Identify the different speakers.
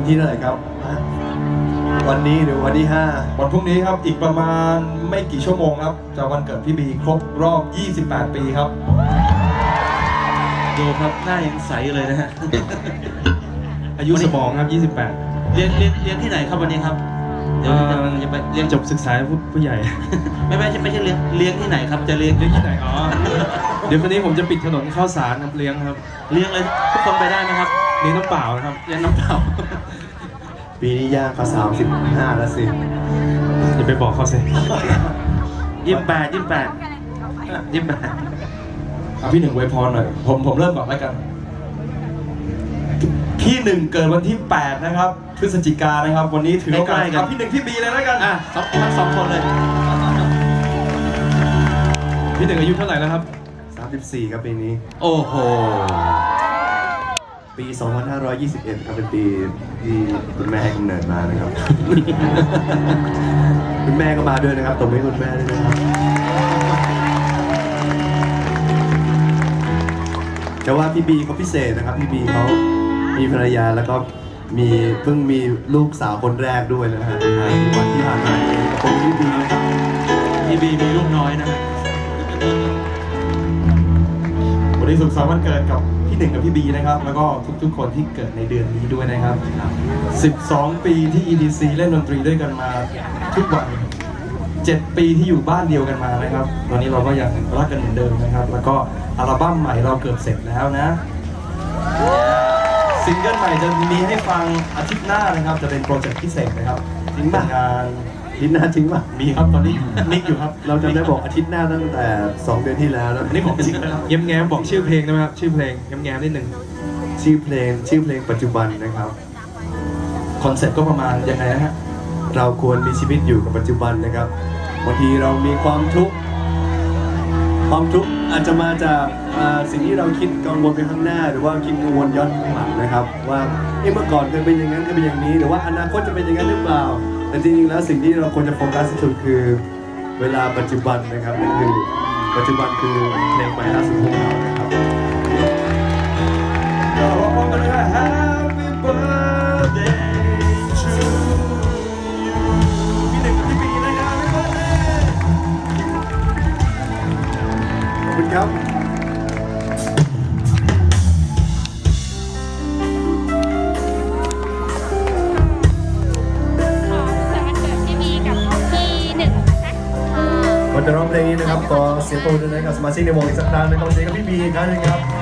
Speaker 1: ที่เท่าไหร่ครับวันนี้หรือวันที่5
Speaker 2: วันพรุ่งนี้ครับอีกประมาณไม่กี่ชั่วโมงครับจะวันเกิดพี่บีครบรอบ 28 ปีครับ
Speaker 3: ดูครับหน้ายังใสเลยนะฮะ
Speaker 2: อายุสมองครับ28
Speaker 3: เรียนที่ไหนครับวันนี้ครับเดี๋ยวจะไปเรียน
Speaker 2: จบศึกษาผู้ใหญ่
Speaker 3: ไม่ใช่เลี้ยงที่ไหนครับจะเลี้ยง
Speaker 2: ที่ไหนอ๋อเดี๋ยววันนี้ผมจะปิดถนนข้าวสารครับเลี้ยงครับ
Speaker 3: เลี้ยงเลยทุกคนไปได้ไหมครับ
Speaker 2: เลี้ยงน้ำเปล่านะครับ
Speaker 3: เลี้ยงน้ำเปล่า
Speaker 1: ปีนี้ย่างก็35แล้วสิ
Speaker 2: อย่าไปบอกเขาสิ
Speaker 3: 28
Speaker 2: พี่หนึ่งอวยพรหน่อยผมเริ่มก่อนแล้วกันพี่หนึ่งเกิดวันที่8นะครับพฤศจิกายนนะครับวันนี้ถือโอกาสกับพี่หนึ่งพี่บีเลยแล้วกัน
Speaker 3: ทั้งสองคนเลย
Speaker 2: พี่หนึ่งอายุเท่าไหร่แล้วครับ
Speaker 1: 34ครับปีนี้
Speaker 3: โอ้โห
Speaker 1: ปี2521ครับเป็นปีที่คุณแม่ให้กำเนิดมานะครับ คุณแม่ก็มาด้วยนะครับตบมือให้คุณแม่ด้วยนะครับแต่ว่าพี่บีเขาพิเศษนะครับพี่บีเขามีภรรยาแล้วก็เพิ่งมีลูกสาวคนแรกด้วยนะฮะวันที่ผ่านมาขอบคุณพี่บีนะครับ
Speaker 3: พี่บีมีลูกน้อยนะ
Speaker 2: วันนี้สุขสันต์วันเกิดกับพี่หนึ่งกับพี่บีนะครับแล้วก็ทุกคนที่เกิดในเดือนนี้ด้วยนะครับ12 ปีที่ EDC เล่นดนตรีด้วยกันมาทุกวัน7 ปีที่อยู่บ้านเดียวกันมานะครับตอนนี้เราก็ยังรักกันเหมือนเดิมนะครับแล้วก็อัลบั้มใหม่เราเกือบเสร็จแล้วนะซิงเกิลใหม่จะมีให้ฟังอาทิตย์หน้านะครับจะเป็นโปรเจกต์พิเศษนะครับทิ้งงาน
Speaker 1: อาทิตย์หน้าจริงป่ะ
Speaker 2: มีครับตอนนี้นิกอยู่ครับ
Speaker 1: เราจะได้บอกอาทิตย์หน้าตั้งแต่2 เดือนที่แล้ว
Speaker 2: นี่บอกจริงนะครับแง้มบอกชื่อเพลงได้ไหมครับชื่อเพลงแง้มนิดหนึ่ง
Speaker 1: ชื่อเพลงปัจจุบันนะครับ
Speaker 2: คอนเซ็ปต์ก็ประมาณยังไงนะฮะ
Speaker 1: เราควรมีชีวิตอยู่กับปัจจุบันนะครับบางทีเรามีความทุกข์อาจจะมาจากสิ่งที่เราคิดกังวลไปข้างหน้าหรือว่าคิดกังวลย้อนข้างหลังนะครับว่าเมื่อก่อนเคยเป็นอย่างนั้นเคยเป็นอย่างนี้หรือว่าอนาคตจะเป็นอย่างนั้นหรือเปล่าแต่จริงๆแล้วสิ่งที่เราควรจะโฟกัสที่สุดคือเวลาปัจจุบันนะครับนั่นคือปัจจุบันคือเพลงใหม่ล่าสุดของเรานะครับ
Speaker 2: ก็ร้องกันเลยว่า Happy Birthday to you พี่หนึ่งกับพี่บีนะครับ Happy Birthday
Speaker 1: ขอบคุณครับก่อนจะร้องเพลงนี้นะครับขอเสียงปรบมือด้วยนะครับสมาชิกในวงอีกสักครั้งนะครับเสียงกับพี่บีอีกครั้งนึงครับ